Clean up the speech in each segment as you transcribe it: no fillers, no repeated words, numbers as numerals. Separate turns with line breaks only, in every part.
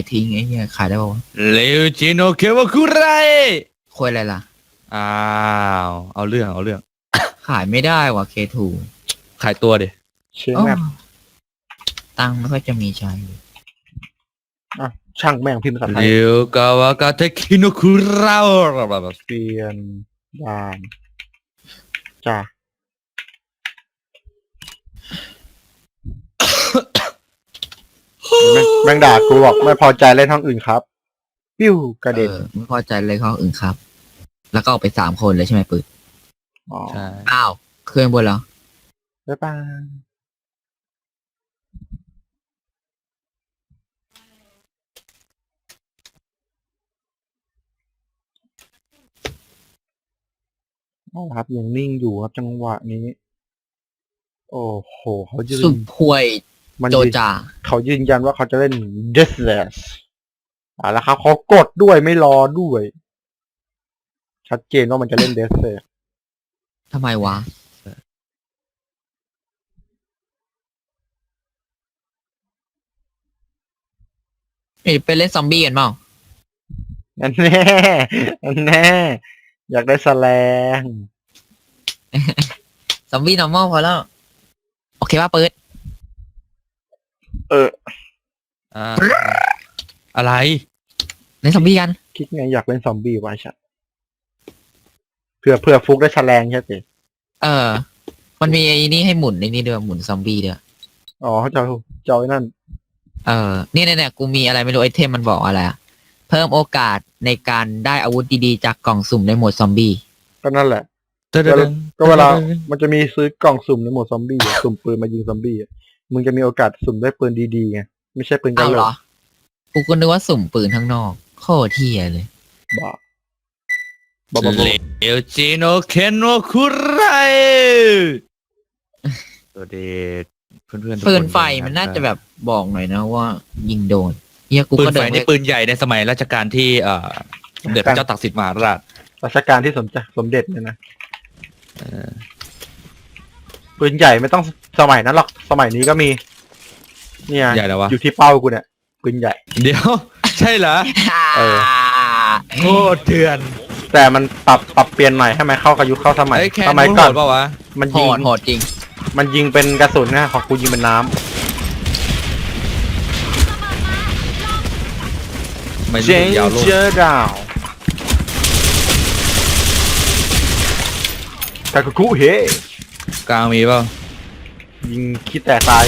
ทิ้งไอ้เหี้ยขายได้ป่าวะ
เลวจิโนเควาคุไร
คุยอะไรล่ะ
อ้าวเอาเรื่อง
ขายไม่ได้ว่ะเคทู
ขายตัวดิ
เชียงแมป
ตังค์ไม่ค่อยจะมีใช้
ช่างแม่งพิมพ์ภาษาไทย
เลวกาวากาเทคิโนคุรา
เปลี่ยนด่านจ้าแม่งด่ากูบอกไม่พอใจเล่นห้องอื่นครับปิ้วกระเด็น
ไม่พอใจเลยข้ออื่นครับ แล้วก็ออกไป3 คนเลยใช่ไหมปืน
ใช่
อ้าวเครื่องบนแล้ว
บ๊ายบายครับยังนิ่งอยู่ครับจังหวะนี้โอ้โหเขายืน
สุดห่วยโจจ่า
เขายืนยันว่าเขาจะเล่น Deathless แล้วครับเขากดด้วยไม่รอด้วย ชัดเจนว่ามันจะเล่น Deathless
ทำไมวะไปเล่นซอมบี้กันเปล่า
นั่นแน่อยากได้แสลง
ซอมบี้ normal พอแล้วโอเคป่ะเปิด
อะไร
เล่นซอมบี้กัน
คิดไงอยากเล่นซอมบี้ไว้ชัดเพื่อฟุกได้แฉลงใช่ไหม
มันมีไอ้นี่ให้หมุนในนี่ด้วยหมุนซอมบี้ด้วย
อ๋อเจ้าไอ้นั่น
เนี่ยกูมีอะไรไม่รู้ไอเทมมันบอกอะไรเพิ่มโอกาสในการได้อาวุธดีๆจากกล่องสุ่มในโหมดซอมบี้
ก็นั่นแหละก็เวลามันจะมีซื้อกล่องสุ่มในโหมดซอมบี้สุ่มปืนมายิงซอมบี้มึงจะมีโอกาสสุ่มได้ปืนดีๆไงไม่ใช่ปืนกัน
เหรอกูก็นึกว่าสุ่มปืนข้างนอกโคตรเที่ยเลย
บ้า
เลวจิโนเคนโนคุไรตัวเด็ดเพื่อน
ปืนไฟมันน่าจะแบบบอกหน่อยนะว่ายิงโดนเฮียกู
ปื
ก็
นไฟนี่ปืนใหญ่ในสมัยรัชกาลที่สมเด็จพระเจ้าตากสินมหาราช
รัชกาลที่สมเด็จเนี่ยนะปืนใหญ่ไม่ต้องสมัยนั้นหรอกสมัยนี้ก็มีเนี่ย
ใหญ่แล้ววะ
อยู่ที่เป้ากูเนี่ยปืนใหญ่
เดี๋ยวใช่เหรอโคตรเถื่อน
แต่มันปรับเปลี่ยนใหม่ให้มันเข้ากับยุคเข้าสมัยก่อน
เปล่าวะ
มันยิงโหดจริง
มันยิงเป็นกระสุนนะของกูยิงเป็นน้ำ
ไม่ยิงยาวลง
เจอดาวกาคุเฮ
กลางมีเปล่า
ยิงขี้แตกตาย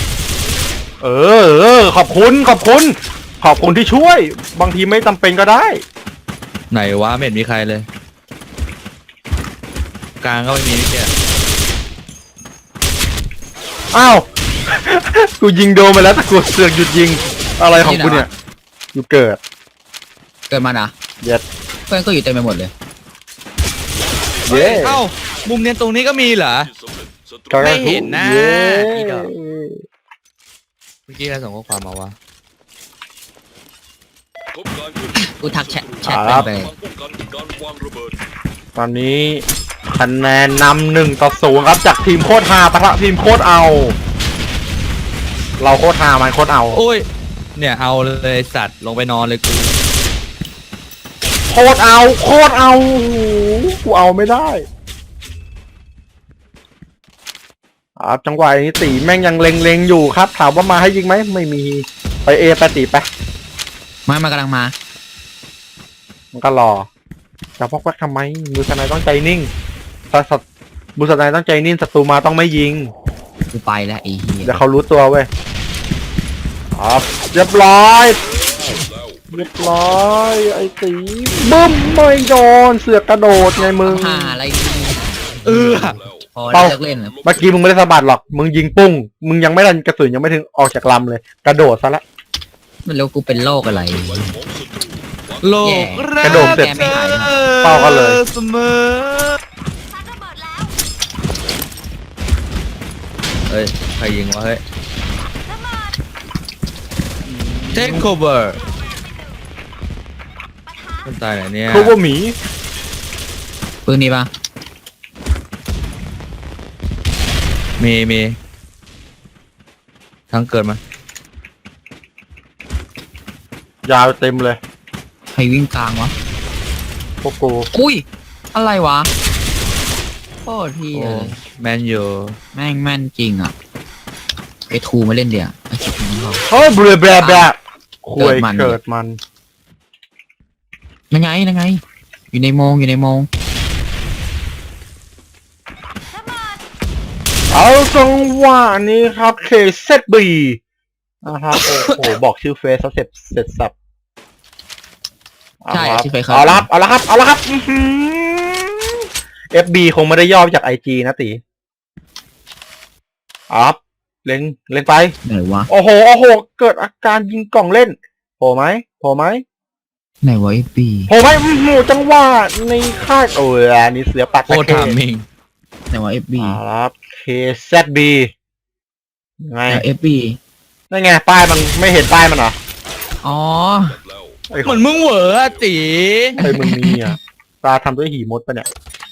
ขอบคุณที่ช่วยบางทีไม่จำเป็นก็ได้
ไหนวะไม่เห็นมีใครเลยกลางก็ไม่มีนี่แก
อ้าวกูยิงโดนไปแล้วแต่กูเสือกหยุดยิงอะไรของกูเนี่ยอยู่เกิด
มานะ
เย็ด
เพื่อนก็อยู่เต็มไปหมดเลย
เย้มุมเนียนตรงนี้ก็มีเหรอไม่เห็นนะพี่ดอกเมื่อกี้ใครส่งข้อความมาวะ
กูทักแชทไป
ตอนนี้คะแนนนำ1-0ครับจากทีมโคตรฮาปะทะทีมโคตรเอาเราโคตรฮามันโคตรเอา
โอ้ยเนี่ยเอาเลยสัตว์ลงไปนอนเลย
โคตรเอากูเอาไม่ได้จังหวะนี้ตีแม่งยังเล็งอยู่ครับถามว่ามาให้ยิงไหมไม่มีไปไปตีไป
มากำลังมา
มันก็รอจะพกแวกทำไมมือสไนต้องใจนิ่งมือสไนต้องใจนิ่งศัตรูมาต้องไม่ยิง
กูไปแล้วไอ้เหี้ย
เดี๋ยวเขารู้ตัวเว้ยเรียบร้อยไอ้ตีบึ้มไม่โดนเสือกกระโดดไงมึง
อะไร
เมื่อกี้มึงไม่ได้สะบัดหรอกมึงยิงปุ้งมึงยังไม่ทันกระสุนยังไม่ถึงออกจากลำเลยกระโดดซะละ
มันแล้วกูเป็นโรคอะไร
โลก
กระโดดเสร็จเป้าก็เลย
เสมอเฮ้ยใครยิงวะเฮ้ย Take cover คนตายไหนเนี่ย
cover หมี
ปืนนี้ปะ
มีทั้งเกิดมา
ยาวเต็มเลย
ใครวิ่งกลางวะ
พวกกู
อุ้ย อะไรวะโคตรที่
โอ้
เลย
แมนยู
แม่งแม่นจริงอ่ะไอทูมาเล่นเดี๋ยวไอคิดถึงเขา
เฮ้ยเบลอแบบคุย
เกิดมัน
เกิดมัน
ยังไงยังไง อยู่ในโมงอยู่ในโมง
เอาจังหวะนี้ครับเคเซตบีนะครับโอ้โหบอกชื่อเฟซเขาเสร็จสับ
ใช่
ครับ
ที่ไปเขา
เอาละครับเอาละครับเอาละครับFB คงไม่ได้ย่อมาจาก IG นะตีเอาครับเล็งไป
ไหนวะ
โอ้โหโอ้โหเกิดอาการยิงกล่องเล่นโผล่ไหม
ไหนวะไอปี
โผล่ไหมจังหวะในค่ายโอ้ยอันนี้เสือปัก
โคตรถามมิง
ไหนวะเอฟบี
เอาละครับ KZB ไง
เอฟบี
นั่นไงป้ายมันไม่เห็นป้ายมันเหรอ
อ๋อ
ไอ้
เหมือนมึงเหวออะตี
ไอ้มึงมีอ่ะตาทำด้วยหีมดปะเนี่ย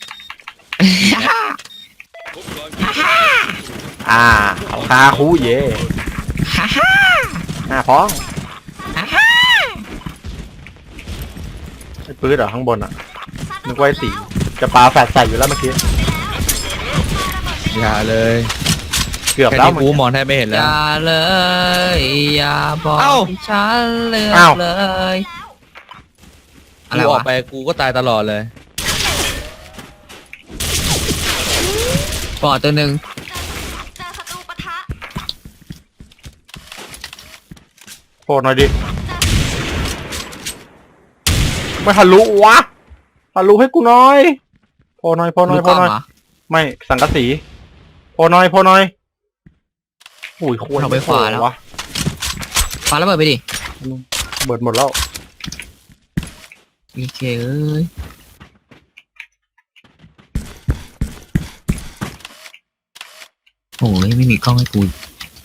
เอาคาคูเย่พ้องไอ้ปื๊ดเหรอข้างบนอ่ะนึกว่าไอ้สีจะปาแฟดใส่อยู่แล้วเมื่อกี้
อย่าเลย
เกือบ
แค่
แล้ว
นี้กูมองแทบไม่เห็น
อ
แล้ว
ย่าเลยอย่าบอก
เอ้า
ให้ฉันเลือ
อ้าก ว
เลยอะไร
กูออ
วะ
กไปกูก็ตายตลอดเลย
ปอดตัวหนึ่ง
เจอศัตรูปะทะ
โผล่หน่อยดิไม่ทะลุวะทะลุให้กูหน่อยโผล่หน่อย
ดูกล้องเหรอ
ไม่สังกะสีโผล่หน่อยอุ้ยโคตร
เอาไปขวาแล้ว
วะ
ปาระเบิดไปดิ
เบิดหมดแล้ว
โอเคเอ้ยโอ้ยไม่มีกล้องให้กูอีก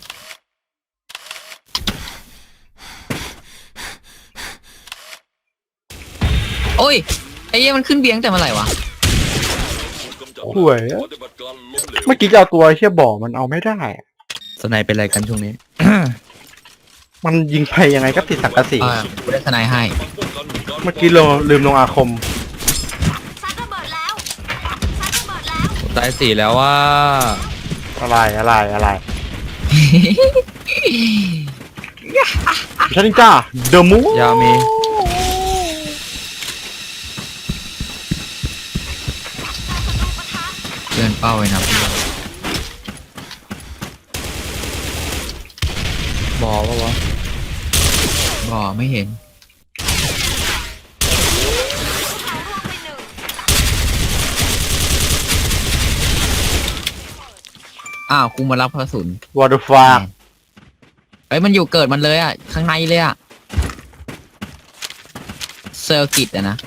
โอ้ยไอ้เหี้ยมันขึ้นเบียงแต่เมื่อไหร่วะ
ห่วยอะเมื่อกี้จะเอาตัวเชี่ยบ่อมันเอาไม่ได้อะ
สไนเป็นอะไรกันช่วงนี้
มันยิงไปยังไงก็ติดสังกะสี
กูได้ทนายให้
เมื่อกี้ลืมลงอาคม
ซัดระเบิดแล้วซัดระเบิดแล้ว
ตายสี่แล้วว่า
อะไรฉันจ้าเดอะมู
ยามี
เกินเป้าไว้นะ
บอกว่าวะ
บ่ไม่เห็น อ้าวกูมารับกระสุน
วอร์ดฟา
เอ้ยมันอยู่เกิดมันเลยอ่ะ ข้างในเลยอ่ะ เซอร์กิตอะนะ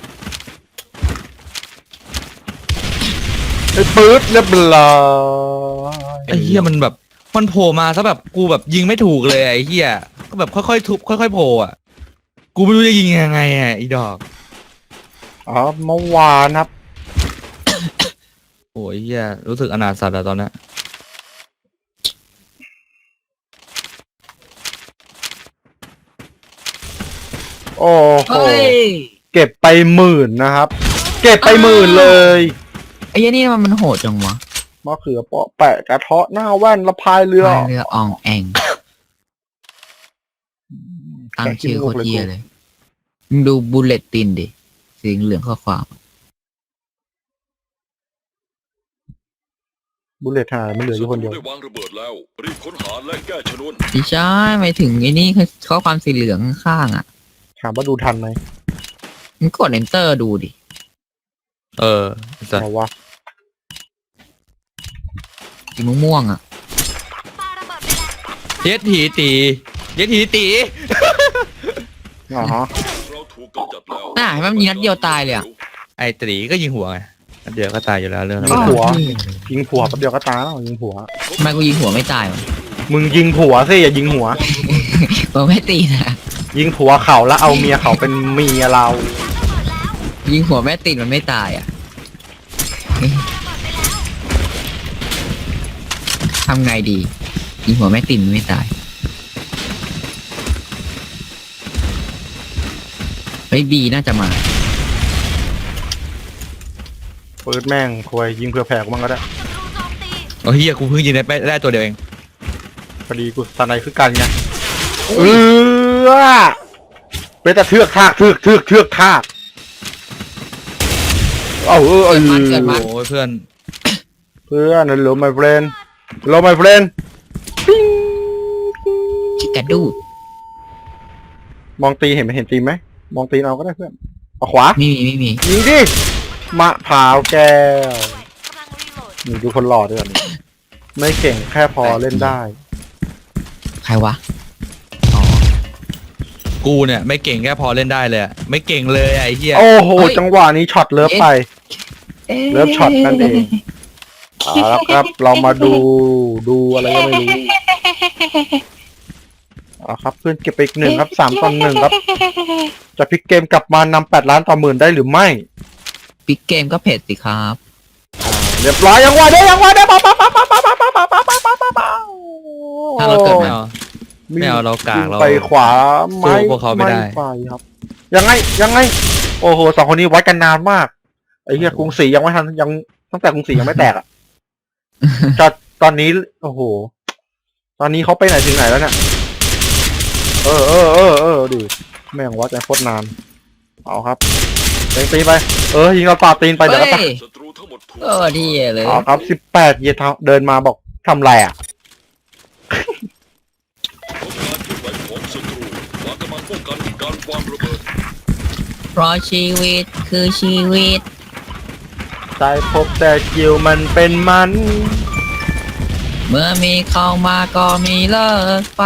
ไอ้ปื๊ดเรียบร้อย
ไอ้เหี้ยมันแบบมันโผล่มาซะแบบกูแบบยิงไม่ถูกเลยไอ้เหี้ยก็แบบค่อยๆทุบค่อยๆโผล่อะกูไม่รู้จะยิงยังไงอ่ะอีดอก
อ๋อเมื่อวานครับ
โอ้ยเหี้ยรู้สึกอนาถสัตว์อะตอนนี้
โอ้โห
เฮ้ย
เก็บไป10,000นะครับ เก็บไป10,000เลย
ไอ้เหี้ยนี่มันโหดจังวะ
มะเขือเปาะแปะกระเทาะหน้าแว่นละพายเรือ
พายเรืออองแองตั้งชื่อโคตรเหี้ยเลยมึงดูบุลเลตตินดิสีเหลืองข้อความ
บุลเลตหายมันเหลืออยู่คนเดียว
ได้วางระเบิดแล้วรีบค้นหาและแก้ชนวน
ไม่ใช่หมายถึงไอ้นี่คือข้อความสีเหลืองข้างๆอ่ะ
ถามว่าดูทันไหม
มึงกด enter ดูดิ
สัตว์
เอาวะ
สีม่วงๆอ่ะ
ปาระเบิดไปแล้ว
เย็ดถีตีเย็ดถีตี
อ๋อฮะ
เราถูกกำจัดแล้ว
น่าเห็นไหมมันยิงนัดเดียวตายเลยอ่ะ
ไอ้ตีก็ยิงหัวไงนัดเดียวก็ตายอยู่แล้วเรื่องนั้น
ยิงหัว
อ้าว
ยิงผัวแป๊บเดียวก็ตายแล้วยิงผัว
ทำไมกูยิงหัวไม่ตายวะ
มึงยิงผัวสิอย่ายิงหัว
กูไม่ตีนะ
ยิงผัวเขาแล้วเอาเมียเขาเป็นเมียเรา
ยิงหัวแม่ติดมันไม่ตายอ่ะ ทำไงดี ยิงหัวแม่ติดมันไม่ตายเฮ้ยบีน่าจะมา
เปิดแม่งควยยิงเผื่อแผ่กูบ้างก็ได้
ศัตรูโจมตี
โอ้เฮียกูเพิ่งยิงได้ตัวเดียวเอง
พอดีกูสไนคือกันไงเป็นแต่เทือกทากเทือกทากเอา
เกิดมา
โอ้ยเพื่อน
เพื่อนฮัลโหล my friend ฮัลโหล my friend
ชิกาดู
มองตีเห็นตีไหมมองตีเอาก็ได้เพื่อนเอาขวา
ไม่มี
ยิงดิมะพร้าวแก้ว
กำลังรีโหลด
นี่ดูคนหล่อด้วยนี่ไม่เก่งแค่พอเล่นได้
ใครวะอ๋อ
กูเนี่ยไม่เก่งแค่พอเล่นได้เลยอะไม่เก่งเลยอะไอ้เฮีย
โอ้โหจังหวะนี้ช็อตเลิฟไป เลิฟช็อตนั่นเองเอาละครับเรามาดูอะไรก็ไม่รู้เอาครับเพื่อนเก็บไปอีก1ครับ3-1ครับจะพลิกเกมกลับมานำ8 ล้านต่อหมื่นได้หรือไม่
ปิกเกมก็เผ็ดสิครับ
เรียบร้อยยังวะเด้ปั๊บ
ถ้าเราเกิด
ไม่
มา
เอาไม่เอาเรากากเรา
ไปขวา
สู้พวกเขาไม่ได้
ไปครับ ยังไงโอ้โห2 คนนี้วัดกันนานมากไอ้เหี้ยกรุงศรียังไม่ทันยังตั้งแต่กรุงศรียังไม่แตกอ่ะตอนนี้โอ้โหตอนนี้เขาไปไหนถึงไหนแล้วเนี่ยดิแม่งวัดกันโคตรนานเอาครับตีไปยิงเราปาตีนไปเดี๋ยวก็ตาย
ศัตรูทั้งหมดถูก
ดีเลย
เอาครับ18เยเดินมาบอกทำไรอ่ะ
พบการเคลื่อนไหวของศัตรูวางกำลังป้องกันการวางระเบิด
เพราะชีวิตคือชีวิต
ใจพบแต่คิวมันเป็นมัน
เมื่อมีเข้ามาก็มีเลิกไป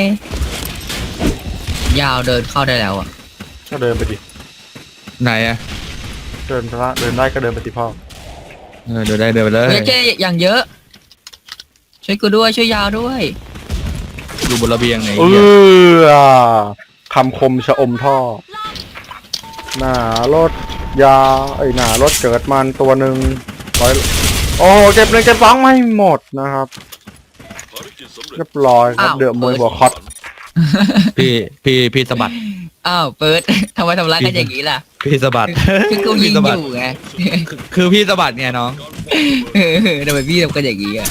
ยาวเดินเข้าได้แล้วอ่ะ
ก็เดินไปดิ
ไหนอะ
เดินได้ก็เดินไปสิพ่อ
เดินไปเลย
เฮ้ยเจ๊อย่างเยอะ ช่วยกูด้วยช่วยยาวด้วย
อยู่บนระเบียงไหน
คำคมชะอมท่อ หน้ารถยาหน้ารถเกิดมันตัวหนึ่งโอ้เก็บ1 เก็บ 2ไม่หมดนะครับ
ภารกิจสำเร็จ
เรียบร้อยครับเดือดมวยหัวคอต
พี่สะบัด
อ้าวเปิด ทำไมทำร้ายกันอย่างนี้ล่ะ
พี่สะบัด
คือกูยิง
พี่สะ
อ
บัด
ยู่ไง
คือพี่สะบัดไงน้อง
ทำไมพี่ทำกันอย่างนี้อ่ะ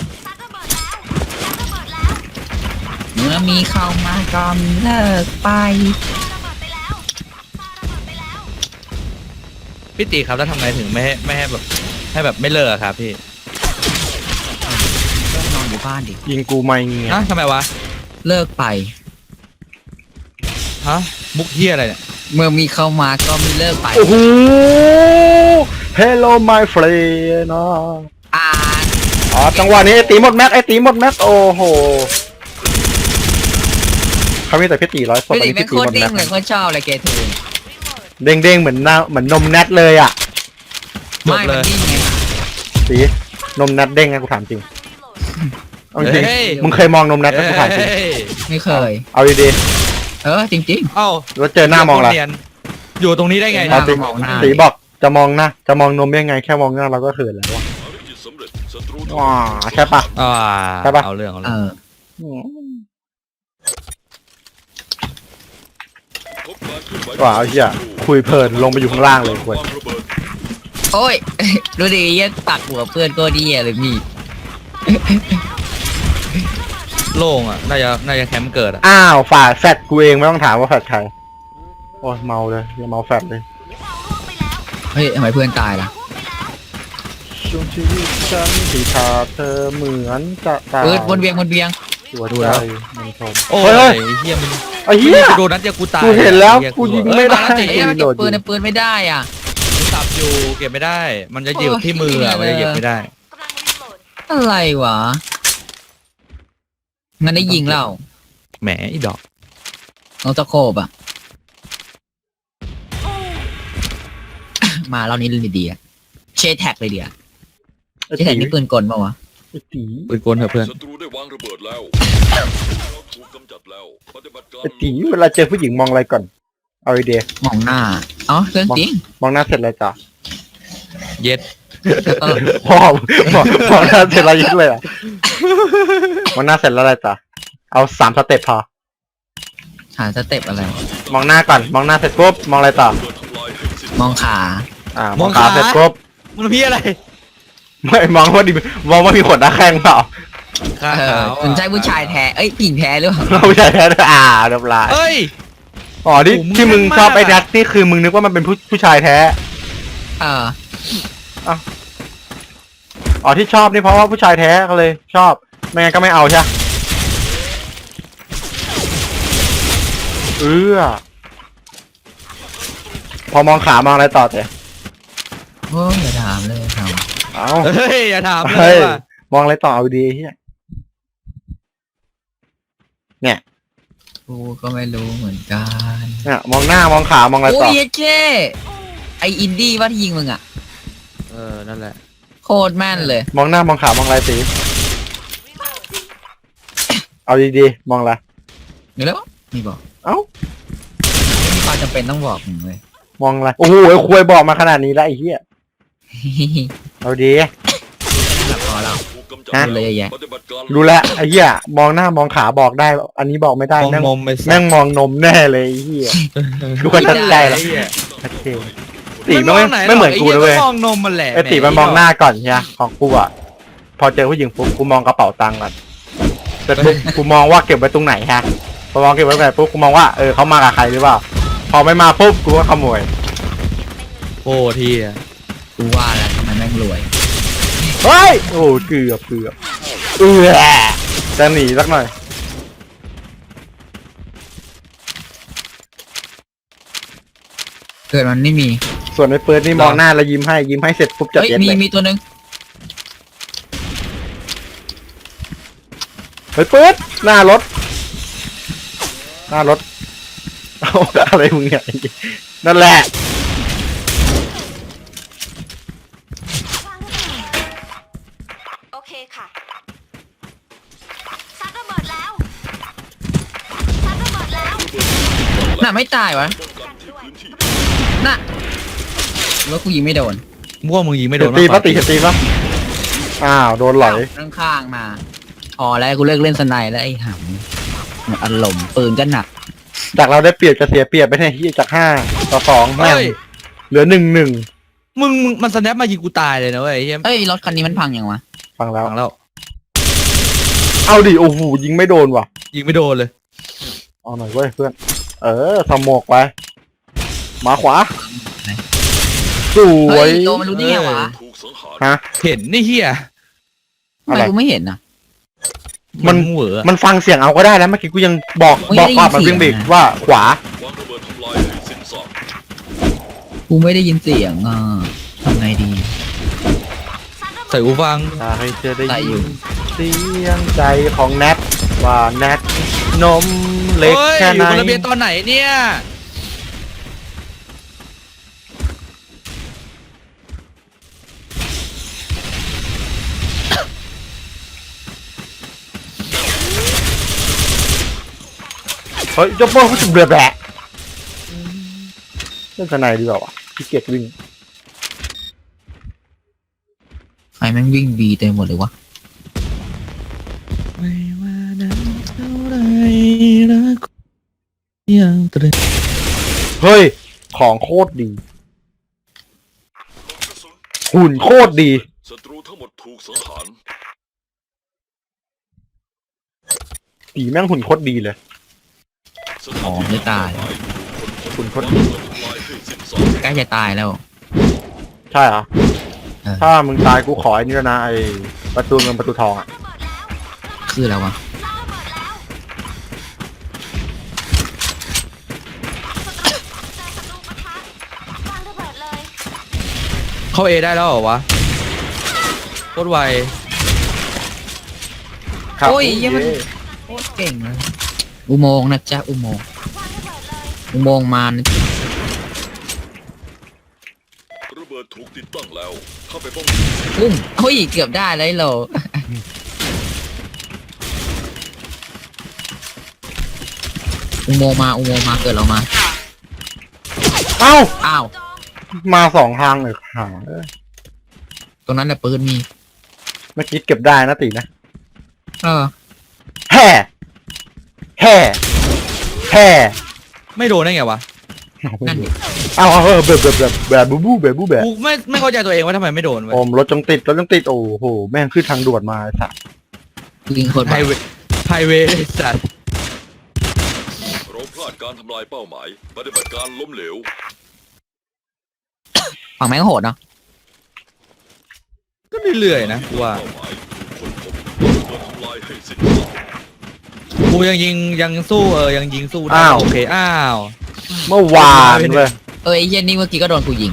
ซัดระเบิดแล้วซัดระเบิดแล้ว
เมื่อมีเข้ามาก็มีเลิกไป
ระเบิดไปแล้วไปแล้ว
พี่ตีครับแล้วทำไงถึงไม่ให้แบบให้แบบไม่เลิกอะครับพี่
เลิกนอนอยู่บ้านดิ
ยิงกูไม่เงี้ย
ทำไมวะ
เลิกไป
ฮะมุกเฮียอะไรเนี่ย
เมื่อมีเข้ามาก็มีเลิกไป
โอ้โห Hello my friend
อ่าน
จังหวะนี้ไอ้ตีหมดแม็กโอ้โหเขามีแต่พี่ตีร้อยศพ
พี่
อัน
ดิ
นี้
แม่ง
พี่
โค
ตี
ต
หม
ร
ด
เด้
แม็
ง
ก
เลยโคตรชอบเลยเกทู
เด้งเหมือนนมแนทเลยอ่ะ
จบ
ไม่
เล
มัน
ย
ดิ้งไง
สีนมแนทเด้งไงกูถามจริงเอาจริง
เฮ้ย
มึงเคยมองนมแนทไหมกูถามจริง
เอ้ย
ไม่เคย
เอาดี
จริง
เอ้า
ๆแล้วเจอหน้ามองอะไร
เนียนอยู่ตรงนี้ได้ไง
เอา
นะ
จริง
มองหน้า
สีบอกจะมองหน้าจะมองนมยังไงแค่มองหน้าเราก็เขินแล้วว่ะ
ภารกิจสำเร็จศัตรูทั้งหม
ว้า
ด
ใช่ปะ
อ่า
ใช่ปะ
เอาเรื่องเอา
เอ
เรื่อง
อ
พบการเคลื่อนไหว
ว้าวไอ้เหี้ยคุยเพลินลงไปอยู่ข้างล่างเลยควร
วางระเบิด
โอ้ย ดูดิยังตักหัวเพื่อนก็ดีเลยมี
โล่งอ่ะน่าจะแคมป์เกิดอ่ะ
อ้าวฝ่าแฟดกูเองไม่ต้องถามว่าแฟดใครโอ้ยเมาเลยอย่าเมาแฟดเลย
เฮ้ยทำไมเพื่อนตายล่ะ
ช่วงชีวิตฉันที่ขาดเธอเหมือนจะตาย
วนเวียง
หัวใจมันทน
โอ้
เฮ้
ย
ย
เฮียมัน
ไอ้เหี้ย
กูโดนนัดเดียวกูตาย
กูเห็นแล้ว
หี้ย
กูยิง
แบบ
ไม่ได้
เอ้ยมันเก็บปืนในปืนไม่ได้อ่ะ
กูสับอยู่เก็บไม่ได้ มันจะอยู่ที่มืออ่ะมันจะเก็บไม่ได้
กำลังรีโหลด
อะไรวะ งั้นได้ยิงแล้ว
แหมอีดอก
น้องตะโคบอ่ะ มาเรานี้เลยดีอ่ะเชแท็กเลยเดียว
ไอ้
เชแท็
ตี
กนี่ปืนกลปะวะ
ไอ้ตี
ปืนกลเถอะเพื่อน
ศัตรูได้วางระเบิดแล้วเราถูกกำจัดแล้วปฏิบัติการ
ไอ้ตีเวลาเจอผู้หญิงมองอะไรก่อน เอาไอเดีย
มองหน้าอ๋อเรื่องจริง
มองหน้าเสร็จเลยจ้ะ
เย็ด
แล้วก็
พ่อมองหน้าเสร็จแล้วยึดเลยอ่ะมองหน้าเสร็จแล้วอะไรจ้ะเอา3 สเต็ปพอ
หาสเต็ปอะไร
มองหน้าก่อนมองหน้าเสร็จปุ๊บมองอะไรต่อ
ระเบิดทำลายให้สิ้น
มองขา
มองขาเสร็จปุ๊บ
มันพี่อะไร
ไม่มองว่าดิมองว่ามีขนหน้าแข้งเปล่า
ขา
คุณใช่ผู้ชายแท้เอ้ยผู้หญิงแท้หรือเปล่า
เราไม่ใช่แท้เรียบร้อย
เอ้ย
อ๋อที่
โอ้โหมึง
ที่มึง
แม่นมาก
ชอบไอ้
อะ
นัทนี่คือมึงนึกว่ามันเป็นผู้ชายแท้
เออ
อ๋อที่ชอบนี่เพราะว่าผู้ชายแท้ก็เลย ชอบไม่งั้นก็ไม่เอาใช่ไหมพอมองขามองอะไรต่อเตะ
โอ้ยอย่าถามเลยครับ
เอา
เฮ้ยอย่าถามเล
เฮ้
ย
ย
ว่ะ
มองอะไรต่อเอาดีเฮีย
กูก็ไม่รู้เหมือนกัน
เนี่ยมองหน้ามองขามองอะไร
โอ้
ต่อย
เจ๊ไออินดี้ว่าที่ยิงมึงอ่ะ
นั่นแหละ
โคตรแม่นเลย
มองหน้ามองขามองอะไรตีเอาดีๆมองอะไร
อยู่แล้วมีบอก
เอ้า
ไม่มีความจำเป็นต้องบอกมึงเลย
มองอะไรโอ้โหควยบอกมาขนาดนี้แล้วไอ้เหี้ยเอาดี
แบบพอแล้ว
ถูกกำจัด
ฮะ
เลยแยะ
ปฏิบัติการ
รู้แล้วไอ้เหี้ยมองหน้ามองขาบอกได้ อันนี้บอกไม่ได้
มอง
แม่ง
นมไปสั
แม่
ก
งมองนมแน่เลยไอ้เหี้ยดูกันตั้งใจละ
ไอ้เหี้ย
ชัดเจนตีไม่เหมือนกูเลยเว้ย
มองนมมันแหละ
ไอ้ตีมันมองหน้าก่อนใช่ไหมของกูอ่ะพอเจอผู้หญิงปุ๊บกูมองกระเป๋าตังค์ก่อนเสร็จปุ๊บกูมองว่าเก็บไว้ตรงไหนฮะพอมองเก็บไว้ตรงไหนปุ๊บกูมองว่าเขามากับใครหรือเปล่าพอไม่มาปุ๊บกูก็ขโมย
โอ้ทีอ่ะ
กูว่าแล้วทำไมแม่งรวย
เฮ้ยโอ้เกือบจะหนีสักหน่อย
เกิดมันไม่มี
ส่วนไอ้เปิดนี่มองหน้าแล้วยิ้มให้เสร็จปุ๊บจัด
เฮ้ย
เย็ด
มี
เลย
มีตัวหนึง
เฮ้ยเปิดหน้ารถเอาอะไรมึงเนี่ยนั่นแหละ
โอเคค่ะซัดระเบิดแล้วซัดระเบิดแล้ว
น่ะไม่ตายวะ
ป้องกันที่พื้นที่
น่ะว่ากูยิงไม่โดน
มั่วมึงยิงไม่โดน
ตีปะ
มากก
ตี
ว่า
ตีปะอ้าวโดนหลอย
ข้างๆมาพอแล้วกูเลิกเล่นสไนด์แล้วไอ้หำหมดอารมณ์ปืนก็หนัก
จากเราได้เปรียบจะเสียเปรียบไปเนี่ยที่จาก5-2แม่ง
เฮ้ย
เหลือ1-1
มึงมันสแนปมายิงกูตายเลยนะเว้ยไอ้เหี้ย
เอ้ยรถคันนี้มันพังยังวะ
ฟังแล้ว
ฟังแล้ว
เอาดิโอ้โหยิงไม่โดนว่ะ
ยิงไม่โดนเลย
เอาหน่อยเว้ยเพื่อนสมกไปมาขวาสว
เฮ้
ย
ยโดมันรู้ได้ไงวะ
ถูกสังหาร
ฮะ
เห็นนี่เฮีย
ทำไมกูไม่เห็นอ่ะ
มัน
เหวอ
มันฟังเสียงเอาก็ได้แล้วเมื่อกี้กูยังบอก
ไม่ได้ยิน
ว่ามัน
เสี
วิ่
ย
ง
ง
เบรก
นะ
ว่าขวา
วางระเบิดทำลายให้สิ้นซาก
กูไม่ได้ยินเสียงอ่ะทำไงดี
ใส่หูฟัง
ถ้าให้เธอได้
ใส่อยู่
ยินเสียงใจของแนทว่าแนทนมเล็ก
เฮ้ย
แค่
อ
ไหน
ยู่บนระเบียงตอนไหนเนี่ย
เฮ้ยเจ้าโป้เขาจะเบื่อแบะเล่นสไนด์ดีกว่าวะขี้เกียจวิ่ง
ใครแม่งวิ่งบีเต็มหมดเลยวะ
ไม่ว่านั้นเท่าไรรักยังตรึง
เฮ้ยของโคตรดี
กระสุน
หุ่นโคตรดี
ศัตรูทั้งหมดถูกสังหาร
ตีแม่งหุ่นโคตรดีเลย
สถาน
อ๋อ
ที่
ไม่ตาย
หุ่นโคตร
วาง
ดี
ระเบิดทำลายให้สิ้นซาก
ใกล้จะตายแล้ว
ใช่เหรอ
เออ
ถ้ามึงตายกูขอไอ้นี่ด้วยนะไอ้ประตูเงินประตูทองอ่ะ
คืออะไรวะ
วางระเบิดเลย
เข้าเอได้แล้วเหรอวะโคตรไว
ครับ
โอ้ยเหี้ยมัน โคตรเก่งเลยอุโมงค์นะจ๊ะอุโมงค์
วางระเบิดเลย
อุโมงค์มานะ
ระเบิดถูกติดตั้งแล้ว เข้าไปป้องกัน
อุ้มเฮ้ยเกือบได้เลยโหลอุโมงค์มาอุโมงค์มาเกิดเรามา
เอ้า
อ้าว
มา2 ทางเลยหา
ตรงนั้นแหละปืนมี
เมื่อกี้เก็บได้นะตีนะ
เออ
แห่แห่แแค่
ไม่โดนได้ไงวะ
นั่นดิ
เอาแบบบูบูแบบบูแบบ
กูไม่เข้าใจตัวเองว่าทำไมไม่โดนเว้ย
โอมรถจงติดรถจงติดโอ้โหแม่งขึ้นทางด่วนมาไอ้สัส
ยิงคน
ไฮเวย์สัตว์
เราพลาดการทำลายเป้าหมายปฏิบัติการล้มเหลว
ฝั่งแม่งโหดเนาะ
ก็เรื่อยๆนะกูว่า
เป้าหมายคนพบวางระเบิดทำลายให้สิ้นสุด
กูยังสู้ยังยิงสู้ได้โอเคอ้าว
เมื่อวานเว้ย
ไอ้เหี้ยนี่เมื่อกี้ก็โดนกูยิง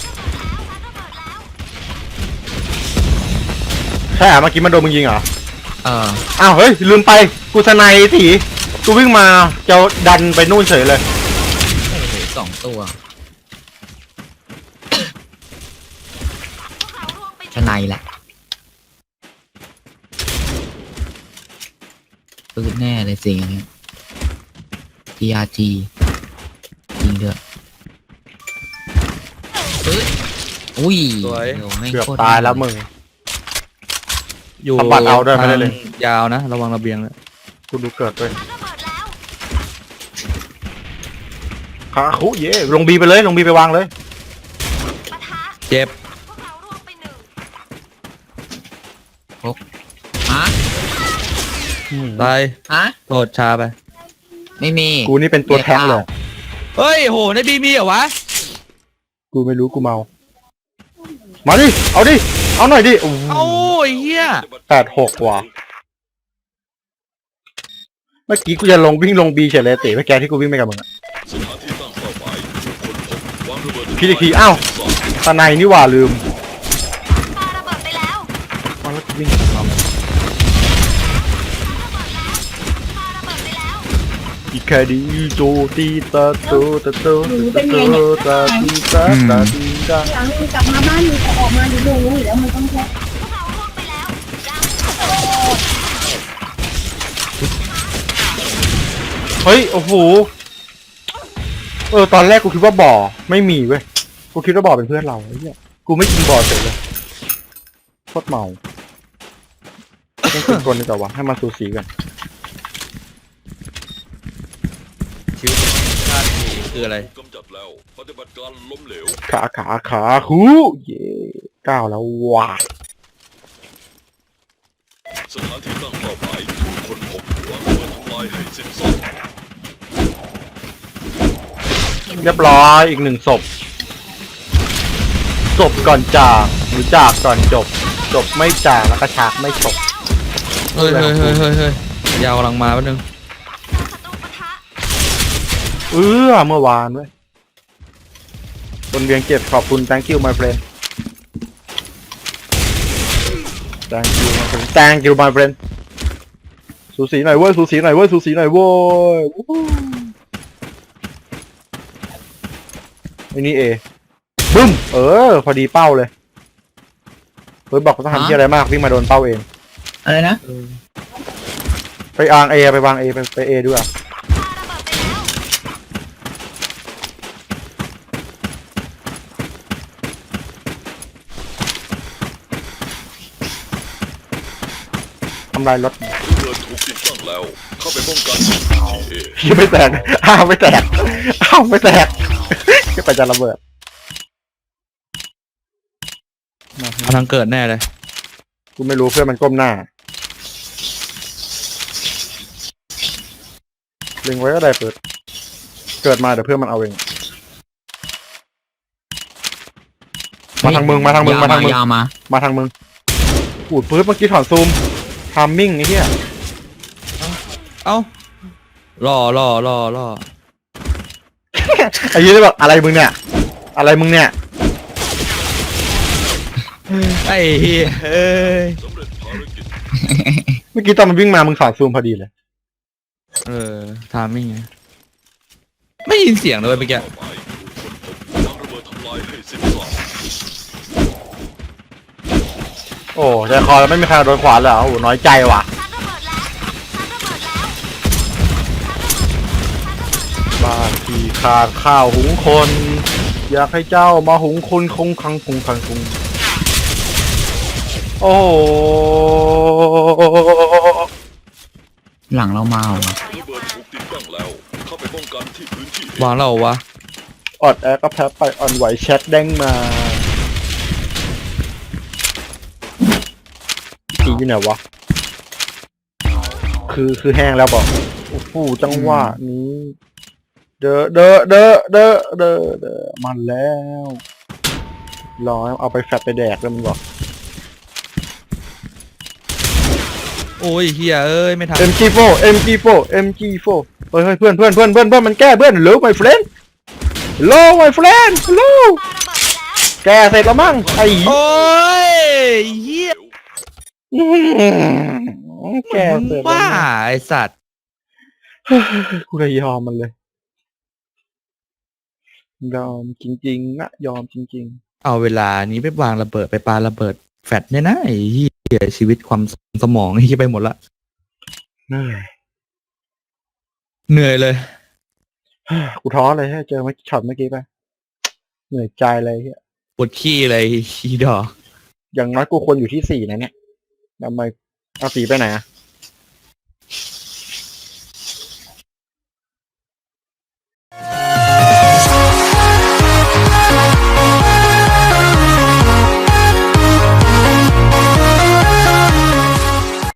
ใช่เหรอเมื่อกี้มันโดนมึงยิงเหรอ
เออ
อ้าวเฮ้ยลืมไปกูสไนด์ถีกูวิ่งมาจะดันไปนู่นเฉยเลย
โอ้โห2 ตัวชนายแหละปืนแน่เลยสิอย่างเงี้ย TRG ยิงเถอะปึ๊ดอุ้ย
สวย
โอ้แม่ง
เกือบ
โคตร
ตายแล้วมึง
อยู่
สะบัดเอาด้วยไม่ได้เลย
ยาวนะระวังระเบียงเลย
กูดูเกิดด้วยขาคุเย่ลงบีไปเลยลงบีไปวางเลย
เจ็บ
ฮะ
ตาย
ฮะ
โทษชาไป
ไม่มี
กูนี่เป็นตัวแท้งเลย
เฮ้ยโหในบีมีเหรอวะ
กูไม่รู้กูเมา มาดิ เอาดิ เอาหน่อยดิโอ้โห
เอ้าไอ้เหี้ย
86 ว่ะ เมื่อกี้กูจะวิ่งลงบีเฉยเลยเตะเมื่อกี้ที่กูวิ่งไปกับมึงอะ
สถานที่ตั้งเป้าหมายคนพบวางระเบิด
คิดอีกทีอ้าว ตาในนี่หว่าลืม
ปาระเบิดไปแล้ว
เอาแล้วกูวิ่งมา
ปาระเบิดไปแล้ว
อีกแค่ดีโจตีตาโตตาโตตาโตตาตีตาตาตีตา
หลังมึงกลับมาบ้านมึงจะออกมาดูดูอยู่แล้วมึงต้องแค่
พวกเราร่วงไปแล้วดาว
เฮ้ย โอ้โห ตอนแรกกูคิดว่าบ่อ ไม่มีเว้ย กูคิดว่าบ่อเป็นเพื่อนเราไอ้เหี้ยกูไม่กินบ่อเฉยเลยโคตรเมาต้องเป็นคนดีกว่าวะให้มาสูสีกัน
ชีวิตชาตินี้คืออะไร
กำจัดแล้วปฏิบัติการล้มเหลว
ขาคูเย่ก้าวแล้วว้า
สถานที่ตั้งเป้าหมายคนพบวางระเบิดทำลายให้สิ้นสุด
เรียบร้อยอีก1 ศพ จบก่อนจากหรือจากก่อนจบ จบไม่จากแล้วก็ฉากไม่จบ
เฮ้ยยาวกำลังมาแป๊บนึง
ศัตรูปะทะ
เมื่อวานเว้ยบนเวียงเจ็บขอบคุณ thank you my friend thank you my friend thank you my friend สูสีหน่อยเว้ยสูสีหน่อยเว้ยสูสีหน่อยเว้ยวู้ฮู้ไอ้นี่เอบึ้มพอดีเป้าเลยเฮ้ยบอกว่าต้องทำที่อะไรมากวิ่งมาโดนเป้าเอง
อะไรนะ
ไปวางเอไปวางเอไปเอด้วย
ปาระเบิดไปแล้ว
ทำลายรถ
ระเบิดถูกติดตั้งแล้ว เข้าไปป้องกัน เอ
ยังไม่แตกไม่แตกไม่แตกไปจะระเบิด
มาทางเกิดแน่เลย
กูไม่รู้เพื่อนมันก้มหน้าเล็งไว้ก็ได้เปิด เกิดมาเดี๋ยวเพื่อนมันเอาเอง มาทางมึงมาทางมึงมาทางมึง
ยาวมา
มาทางมึงอูดปื๊ดเมื่อกี้ถอนซูมทามมิ่งไอ้เหี้ย
เอ้าล่อ
ไอ้เหี้ยเลยบอกอะไรมึงเนี่ย อะไรมึงเนี่ย
ไอ้เหี้ยเอ้ย
สำเร็จภารกิจ
เมื่อกี้ตอนมันวิ่งมามึงถอนซูมพอดีเลย
ทามมิ่งไงไม่ยินเสียงเลยเมื่อกี้
เป้าหมายคนพบวางระเบิดทำลายให้สิ้นสุด
โอ้ใจคอแล้วไม่มีใครโดนขวานเลยเหรอโอ้น้อยใจว่ะ บ้านที่ขาดข้าวหุงคน อยากให้เจ้ามาหุงคนคงคังคงคังคงโอ้โห
หลังเรามาว่ะ
ระเบิดถูกติดตั้งแล้ว เข้าไปป้องกันที่พื้นที่
วางเราวะ
ออดแอร์ก็แพ้ไปอ่อนไหวแชทเด้งมาทีอยู่ไหนวะคือแห้งแล้วบอกโอ้โหจังหวะนี้เดอมันแล้วรอเอาไปแฟตไปแดกแล้วมันบอก
โอ้ยเฮียเอ้ยไม่ทัน
MG4 เฮ้ยเพื่อนมันแก้เพื่อน hello my friend hello my friend hello
ปาระเบิดไปแล้ว
แกเสร็จแล้วมั้งไอ้
โอ้ยเฮีย
แกเสร็จแล้ว
บ้า
มั้ง
ไอสัตว์
กูเลยยอมมันเลยยอมจริงๆนะยอมจริง
เอาเวลานี้ไปวางระเบิดไปปาระเบิดแฟดเนี่ยนะไอ้เฮียชีวิตความสมองไอ้เฮียไปหมดละ
ๆเหนื่อย
เหนื่อยเลย
กูท้อเลยให้เจอเมื่อช็อตเมื่อกี้ไปเหนื่อยใจเลยเฮีย
ปวดขี้เลยขี้ดอก
อย่างน้อยกูควรอยู่ที่4นะเนี่ยทำไมเอา4ไปไหนอะ